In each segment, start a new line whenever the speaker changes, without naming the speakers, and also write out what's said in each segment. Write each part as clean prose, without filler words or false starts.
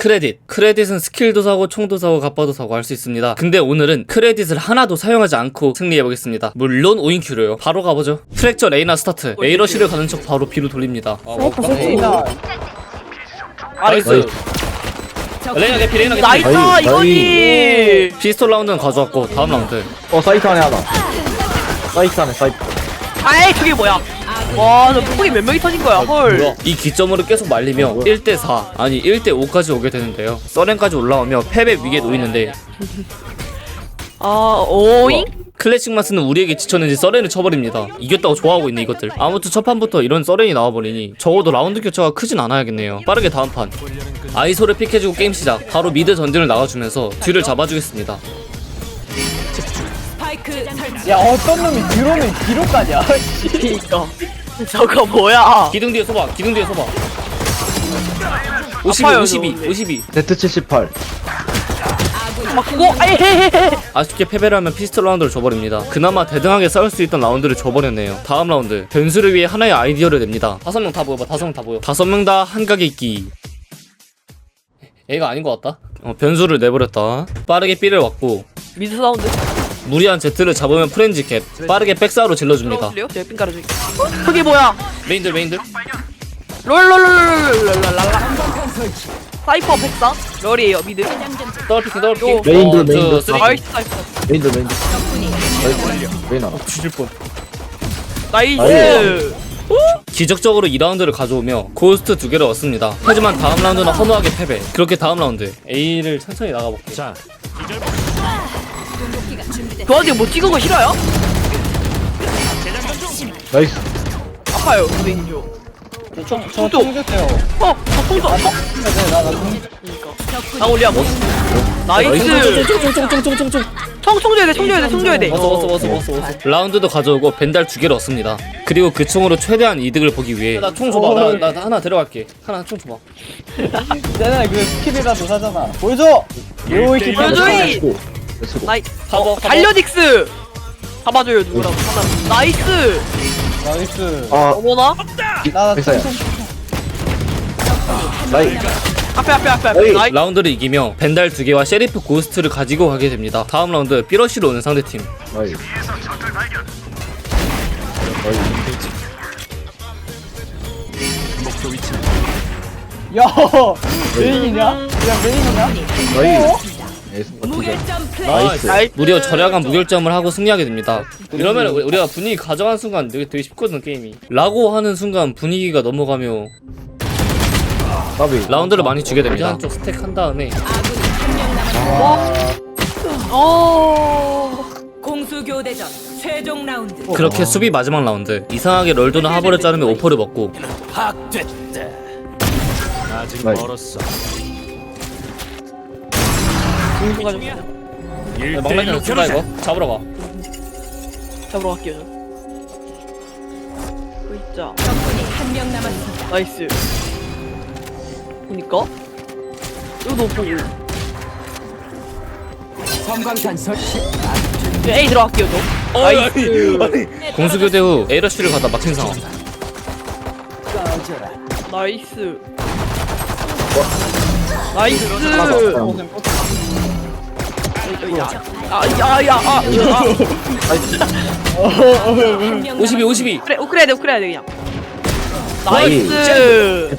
크레딧은 스킬도 사고 총도 사고 갑바도 사고 할 수 있습니다. 근데 오늘은 크레딧을 하나도 사용하지 않고 승리해보겠습니다. 물론 5인큐로요. 바로 가보죠. 프랙처 레이나 스타트. A러시를 가는 척 바로 B로 돌립니다.
레이나
나이스. 레이나 개피 레이나 개피.
나이스 이거니.
피스톨 라운드는 가져왔고 다음 라운드.
사이트 안에 하나. 사이트 안에 사이트.
아이 저게 뭐야? 와, 저 폭이 몇 명이 터진 거야? 헐.
이 기점으로 계속 말리며 1대4 아니 1대5까지 오게 되는데요. 서렌까지 올라오며 패배 위기에 놓이는데
오잉?
클래식 마스는 우리에게 지쳤는지 서렌을 쳐버립니다. 이겼다고 좋아하고 있는 이것들. 아무튼 첫 판부터 이런 서렌이 나와버리니 적어도 라운드 교차가 크진 않아야겠네요. 빠르게 다음 판. 아이소를 픽해주고 게임 시작. 바로 미드 전진을 나가주면서 뒤를 잡아주겠습니다.
야 어떤 놈이 드론을 뒤로 까냐?
그니까. 저거 뭐야?
기둥 뒤에 서봐. 기둥 뒤에 서봐. 52,
아파요,
52,
저거.
52.
네트 78.
그거 에헤헤헤.
아쉽게 패배를 하면 피스톨 라운드를 줘버립니다. 그나마 대등하게 싸울 수 있던 라운드를 줘버렸네요. 다음 라운드. 변수를 위해 하나의 아이디어를 냅니다. 5명 다 보여봐. 5명 다 보여. 5명 다 한각에 있기. 얘가 아닌 것 같다. 변수를 내버렸다. 빠르게 B를 왔고
미드 사운드.
무리한 Z를 잡으면 프렌즈 캡. 빠르게 백사로 질러줍니다.
들어볼래요? 제가 삥 깔아줄게. 저게 뭐야?
메인들.
롤롤롤롤롤롤랄라. 사이퍼 백사. 롤이에요 미드.
더블피킹.
메인들.
나이스 사이퍼.
메인들. 메인 하나.
뒤질 뻔.
나이스.
기적적으로 2라운드를 가져오며 고스트 2개를 얻습니다. 하지만 다음 라운드는 허무하게 패배. 그렇게 다음 라운드 A를 천천히 나가볼게. 자,
저한테 뭐 찍은 거 싫어요?
나이스.
아파요 선생님.
저 총주세요.
총도 아파. 나 올려 뭐. 나이스. 총 줘야 돼.
왔어. 라운드도 가져오고 벤달 2개를 얻습니다. 그리고 그 총으로 최대한 이득을 보기 위해 나 총 줘봐. 나 하나 데려갈게. 하나 총 줘봐.
쟤네 그 스킬이라도 사잖아. 보여줘. 요이키
보여줘이. 나이. 달려딕스. 잡아줘요 누구라도 하나. 나이스.
나이스.
어머나.
나
백사야. 나이.
앞에. 나이.
라운드를 이기며 벤달 2개와 셰리프 고스트를 가지고 가게 됩니다. 다음 라운드 삐러시로 오는 상대팀.
나이.
야 메인이냐? 야 메인이냐?
나이스.
나이스.
무려 절약한 무결점을 하고 승리하게 됩니다. 이러면 우리가 분위기 가져가는 순간 되게 쉽거든 게임이. 라고 하는 순간 분위기가 넘어가며 라운드를 많이 주게 됩니다. 한쪽 스택 한 다음에
공수교대전 최종 라운드.
그렇게 수비 마지막 라운드. 이상하게 럴도는 하버를 자르며 오퍼를 먹고
아직
나이스.
멀었어.
막내는 쓴다 이거. 잡으러 가.
잡으러 갈게요 저. 있자.
적군이 한 명 남았습니다.
나이스. 보니까 이거 보고.
섬광탄 설치.
A 들어갈게요 저. 나이스.
공수교대 후 A러쉬를 가다 막힌 상황.
나이스. 나이스. 야야야.
52.
그래 우크래야 돼 그냥. 나이스.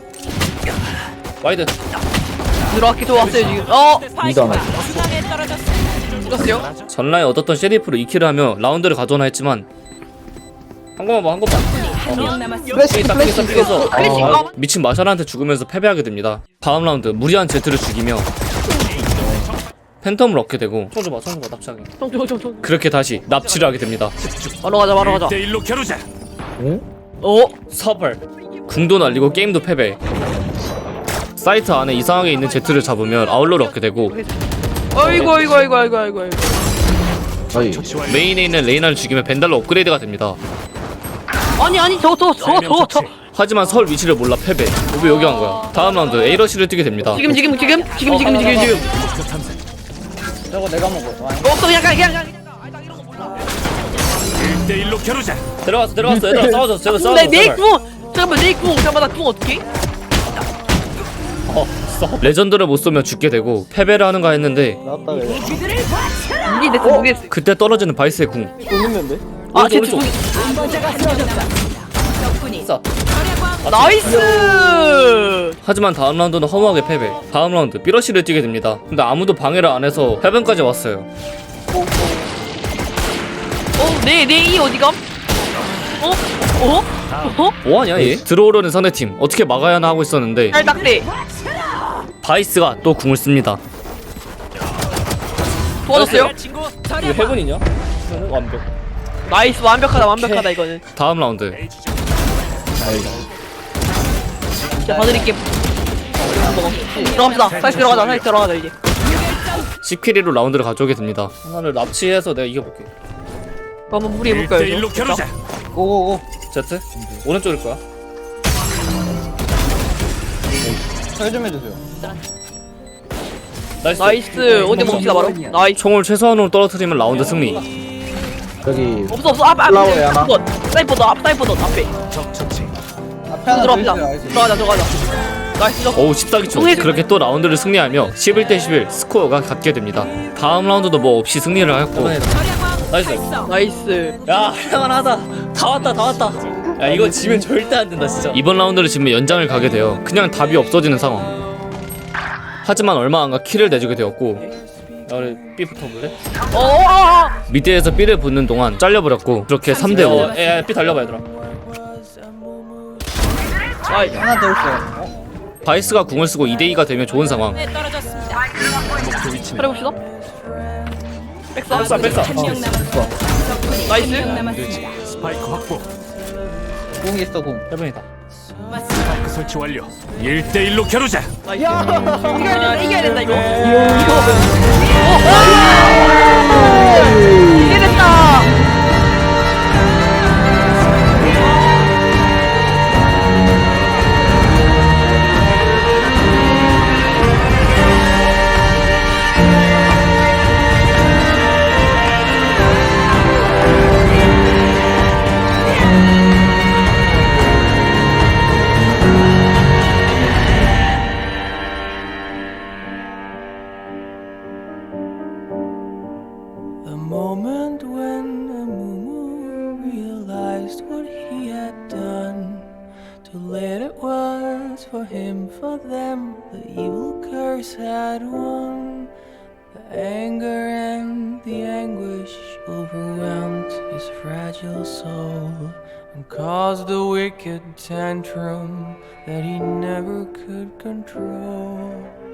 와이드.
들어왔기 좋았어요 지금.
이도 하나.
중앙에 떨어졌습니다.
죽었어요.
전라에 얻었던 셰리프로 2킬을 하며 라운드를 가져오나 했지만 한 번만
한 명 남았습니다.
삐겠어.
클래식.
미친 마샬한테 죽으면서 패배하게 됩니다. 다음 라운드 무리한 Z를 죽이며 팬텀을 얻게 되고 총 줘봐 납치하게.
총.
그렇게 다시 납치를 하게 됩니다.
바로 가자.
1대1로 겨루자.
서벌 궁도 날리고 게임도 패배. 사이트 안에 이상하게 있는 Z를 잡으면 아울러를 얻게 되고
아이고.
나이.
메인에 있는 레이나를 죽이면 벤달로 업그레이드가 됩니다.
아니 저.
하지만 설 위치를 몰라 패배. 왜 여기 간 거야? 다음 라운드 A러시를 뛰게 됩니다.
지금.
저거 내가 먹어.
없어 그냥.
1대1로 겨루자.
들어갔어. 얘들아 싸워줘.
내 궁. 잠깐만 내 궁. 잠깐만 나궁 어떻게?
레전드를 못 쏘면 죽게 되고 패배를 하는가 했는데
나왔다 그래.
이게 내 모르겠어.
그때 떨어지는 바이스의 궁.
또 있는데?
아, 제
오른쪽.
적군이
자,
나이스.
하지만 다음 라운드는 허무하게 패배. 다음 라운드 삐러시를 뛰게 됩니다. 근데 아무도 방해를 안 해서 해변까지 왔어요.
내 이 어디감?
뭐하냐 얘? 들어오려는 상대팀 어떻게 막아야 하나 하고 있었는데
딸딱대.
바이스가 또 궁을 씁니다.
도와줬어요?
이거 해븐이냐? 이거는 완벽.
나이스, 완벽하다 이거는.
다음 라운드
자, 봐드릴게. 들어갑시다. 사이즈 들어가자 이제.
10킬리로 라운드를 가져오게 됩니다. 하나를 납치해서 내가 이겨볼게.
한번 무리해볼까요?
1대1로 겨루자.
고고고.
제트? 오른쪽일 거야.
설좀 해주세요.
나이스. 어디 멈추다 바로. 나이스.
총을 최소한으로 떨어뜨리면 라운드 승리.
여기
없어. 앞.
플라워에 하나?
사이퍼 너 앞에.
적처치.
앞에 하나 더
들어갑시다.
있어요. 알겠어요.
들어가자. 나이스.
어우 14기초. 그렇게 또 라운드를 승리하며 11대 11 스코어가 같게 됩니다. 다음 라운드도 뭐 없이 승리를 하였고 나이스.
나이스.
야 할만하다. 다 왔다. 야 이거 지면 절대 안 된다 진짜. 이번 라운드를 지면 연장을 가게 돼요. 그냥 답이 없어지는 상황. 하지만 얼마 안가 킬을 내주게 되었고 야 우리 B 붙어볼래? 미드에서 B를 붙는 동안 잘려버렸고 그렇게 3대5 야 B 달려봐 얘들아.
나이스.
하나 더 있어요.
바이스가 궁을 쓰고 2대2가 되면 좋은 상황.
네, 떨어졌습니다.
차려봅시다. 백사.
한명 남았습니다. 적군이
나이스.
한명 남았습니다.
스파이크 확보.
공 있어 공.
해븐이다.
스파이크 설치 완료. 1대1로 겨루자.
나이스. 이겨야 된다 이거. 이게 됐다.
The moment when Amumu realized what he had done, too late it was for him, for them, the evil curse had won. The anger and the anguish overwhelmed his fragile soul and caused a wicked tantrum that he never could control.